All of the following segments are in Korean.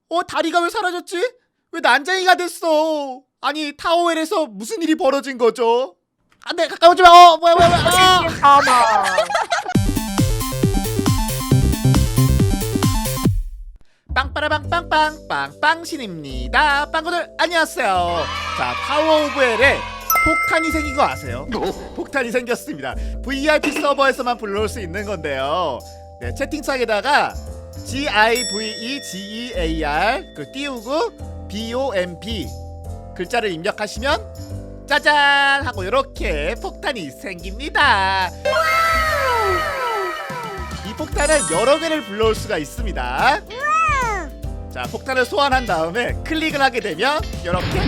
다리가 왜 사라졌지? 왜 난장이가 됐어? 아니 타워웰에서 무슨 일이 벌어진 거죠? 안돼 가까우지 마. 뭐야. 가마. 빵빠라빵빵빵 빵빵신입니다. 빵구들 안녕하세요. 자 타워 오브 헬에 폭탄이 생긴 거 아세요? 폭탄이 생겼습니다. VIP 서버에서만 불러올 수 있는 건데요. 네, 채팅창에다가 GIVEGEAR 띄우고 BOMB 글자를 입력하시면 짜잔 하고 이렇게 폭탄이 생깁니다. 이 폭탄은 여러 개를 불러올 수가 있습니다. 자 폭탄을 소환한 다음에 클릭을 하게 되면 이렇게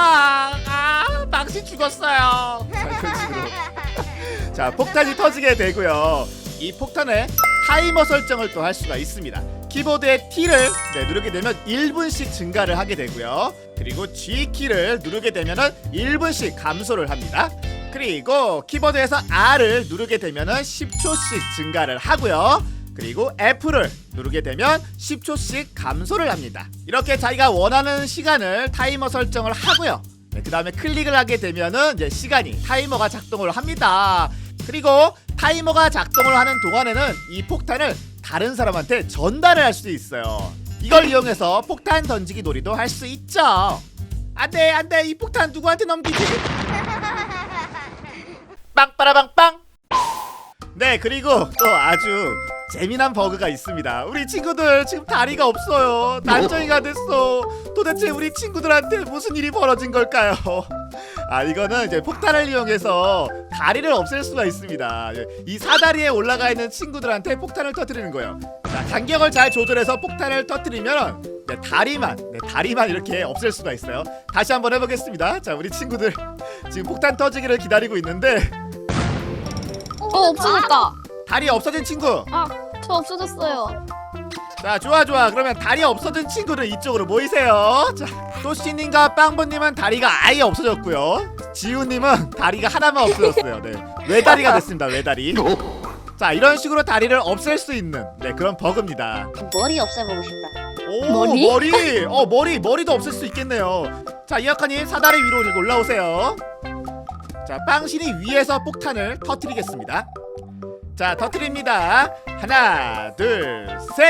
망신 죽었어요. 자, 이런 식으로 자 폭탄이 터지게 되고요. 이 폭탄에 타이머 설정을 또 할 수가 있습니다. 키보드의 T를 누르게 되면 1분씩 증가를 하게 되고요. 그리고 G키를 누르게 되면은 1분씩 감소를 합니다. 그리고 키보드에서 R을 누르게 되면은 10초씩 증가를 하고요. 그리고 F를 누르게 되면 10초씩 감소를 합니다. 이렇게 자기가 원하는 시간을 타이머 설정을 하고요. 그 다음에 클릭을 하게 되면은 이제 시간이 타이머가 작동을 합니다. 그리고 타이머가 작동을 하는 동안에는 이 폭탄을 다른 사람한테 전달을 할 수 있어요. 이걸 이용해서 폭탄 던지기 놀이도 할 수 있죠. 안돼 이 폭탄 누구한테 넘기지? 빵빠라빵빵. 네 그리고 또 아주 재미난 버그가 있습니다. 우리 친구들 지금 다리가 없어요. 난정이가 됐어. 도대체 우리 친구들한테 무슨 일이 벌어진 걸까요? 이거는 이제 폭탄을 이용해서 다리를 없앨 수가 있습니다. 이 사다리에 올라가 있는 친구들한테 폭탄을 터뜨리는 거예요. 자, 간격을 잘 조절해서 폭탄을 터뜨리면 다리만 이렇게 없앨 수가 있어요. 다시 한번 해보겠습니다. 자, 우리 친구들 지금 폭탄 터지기를 기다리고 있는데 없어졌다. 다리 없어진 친구. 저 없어졌어요. 자 좋아 그러면 다리 없어진 친구는 이쪽으로 모이세요. 자 또씨님과 빵번님은 다리가 아예 없어졌고요. 지우님은 다리가 하나만 없어졌어요. 네 외다리가 됐습니다. 외다리. 자 이런 식으로 다리를 없앨 수 있는 그런 버그입니다. 머리 없애보고 싶다. 오 머리도 없앨 수 있겠네요. 자 이학하님 사다리 위로 올라오세요. 자 빵신이 위에서 폭탄을 터뜨리겠습니다. 자 터뜨립니다. 하나 둘 셋.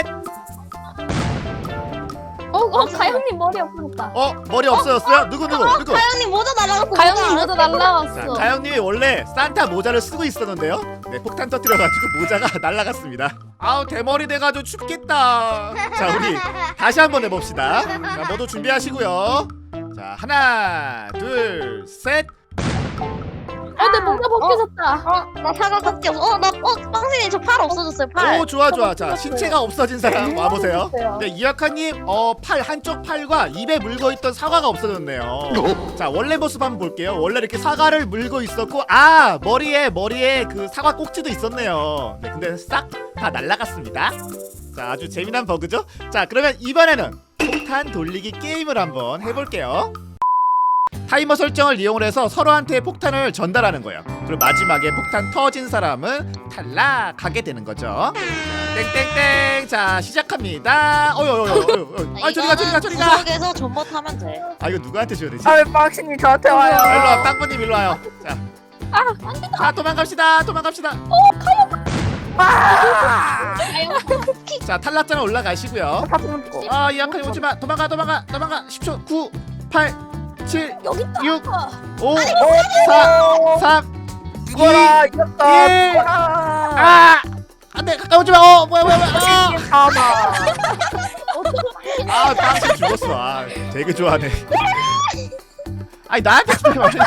가영님 머리 없어졌다. 머리 없어졌어요? 누구? 가영님 모자 날아갔어. 가영님 모자 자, 날라왔어. 가영님이 원래 산타 모자를 쓰고 있었는데요. 네, 폭탄 터뜨려가지고 모자가 날아갔습니다. 대머리 돼가지고 춥겠다. 자, 우리 다시 한번 해봅시다. 자, 모두 준비하시고요. 자, 하나, 둘, 셋. 내 모자 벗겨졌다. 나 사과밖에 없어. 빵신이 저 팔 없어졌어요. 팔. 오, 좋아. 자, 신체가 없어진 사람 와보세요. 없어졌어요. 네, 이학하님, 한쪽 팔과 입에 물고 있던 사과가 없어졌네요. 자, 원래 모습 한번 볼게요. 원래 이렇게 사과를 물고 있었고, 머리에 그 사과 꼭지도 있었네요. 네, 근데 싹 다 날라갔습니다. 자, 아주 재미난 버그죠? 자, 그러면 이번에는 폭탄 돌리기 게임을 한번 해볼게요. 타이머 설정을 이용해서 서로한테 폭탄을 전달하는 거예요. 그리고 마지막에 폭탄 터진 사람은 탈락하게 되는 거죠. 땡땡땡. 자 시작합니다. 저리가. 구석에서 전봇하면 돼. 이거 누구한테 줘야 되지? 왜 빵신이 저한테 와요? 일로와 빵구님 일로와요. 자 도망갑시다. 자 탈락자는 올라가시고요. 이한칸이 오지마. 도망가 10초 9 8 7 여기 있다. 6 5 4 3 죽어라 1 이겼다. 안돼 가까우지마. 뭐야 가마. 빵신 죽었어. 되게 좋아하네. 나한테 죽지 마.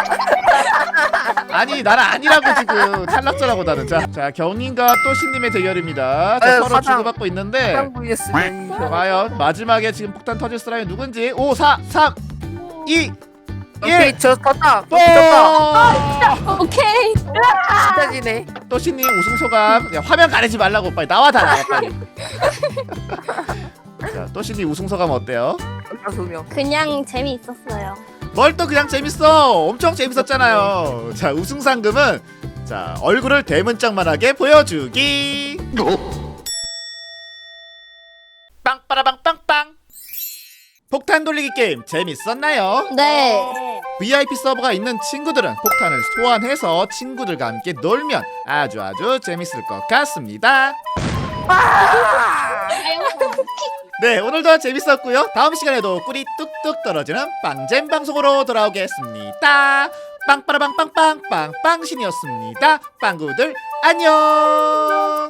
나는 아니라고 지금 탈락자라고 나는. 자 경님과 또신님의 대결입니다. 서로 사장. 주고받고 있는데 빵 vs 과연 마지막에 지금 폭탄 터질 사람이 누군지. 5 4 3 2 오케이 1 저 떴다. 오케이. 진짜 지네. 또신님 우승 소감. 화면 가리지 말라고 빨리 나와 빨리. 자 또신님 우승 소감 어때요? 소명. 그냥 재미있었어요. 뭘 또 그냥 재밌어. 엄청 재밌었잖아요. 자 우승 상금은 자 얼굴을 대문짝만하게 보여주기. 빵빠라빵빵빵. 폭탄 돌리기 게임 재밌었나요? 네. VIP 서버가 있는 친구들은 폭탄을 소환해서 친구들과 함께 놀면 아주 재밌을 것 같습니다. 네, 오늘도 재밌었고요. 다음 시간에도 꿀이 뚝뚝 떨어지는 빵잼 방송으로 돌아오겠습니다. 빵빠라빵빵빵 빵빵신이었습니다. 빵구들 안녕.